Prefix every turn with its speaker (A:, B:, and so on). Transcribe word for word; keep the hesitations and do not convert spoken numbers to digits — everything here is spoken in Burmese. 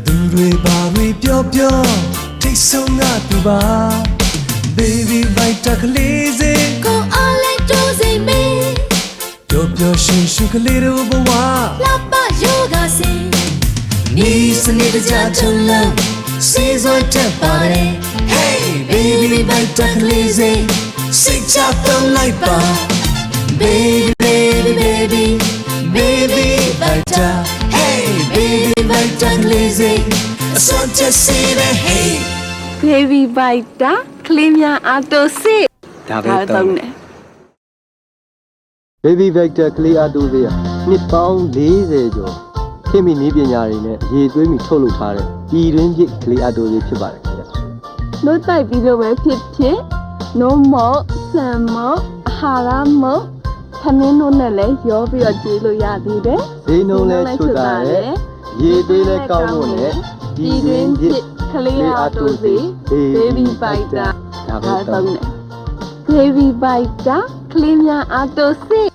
A: သူတွေဘာတွေပြောပြောထိတ်ဆုံးကသူပါ Baby Vita ကလေးစေ
B: ကိုအားလဲကြိုးစိမ်မေး
A: ပျော်ပျော်ရွှင်ရွှင်ကလေးတို့ဘဝ
B: လှပယောဂစင်
A: နီးစနစ်တကျချုံလုံးစေးစွာတက်ပါတယ် Hey Baby Vita ကလေးစေစိတ်ချသုံးလိုက်ပါ Baby baby baby Baby Vita Hey Baby Vita ကလေးစေအစွမ်းချက်စေးတဲ့ Hey
C: Baby Vita ကလေးများအားတိုစစ်
D: ဒါပဲတောင်းတယ်
E: Baby Vita ကလေးအားတိုစေးနှစ်ပေါင်း၄၀ကျော်ခင်မီနည်းပညာတွေနဲ့ရေသွေးမီထုတ်လုပ်ထားတဲ့ပြည်တွင်းဖြစ်ကလေးအားတိုစေးဖြစ်ပါတယ်ခင်ဗျ
C: ။နို့တိုက်ပြီးတော့ပဲဖြစ်ဖြစ်နို့မော့ဆန်မော့အာဟာရမော့ခမင်းတို့နဲ့လည်းရောပြီးတော့ကျေးလို့ရသေးတယ်
E: ။ဈေးနှုန်းလည်းချွတ်တာတယ်ရေသွေးလည်းကောင်းဖို့နဲ့ပြည်တွင်းဖြစ်
C: ကလေးအားတိုစေး Baby Vita
E: ဒါပဲတောင်းတယ်
C: Baby Vita ကလေးများအားတိုစစ်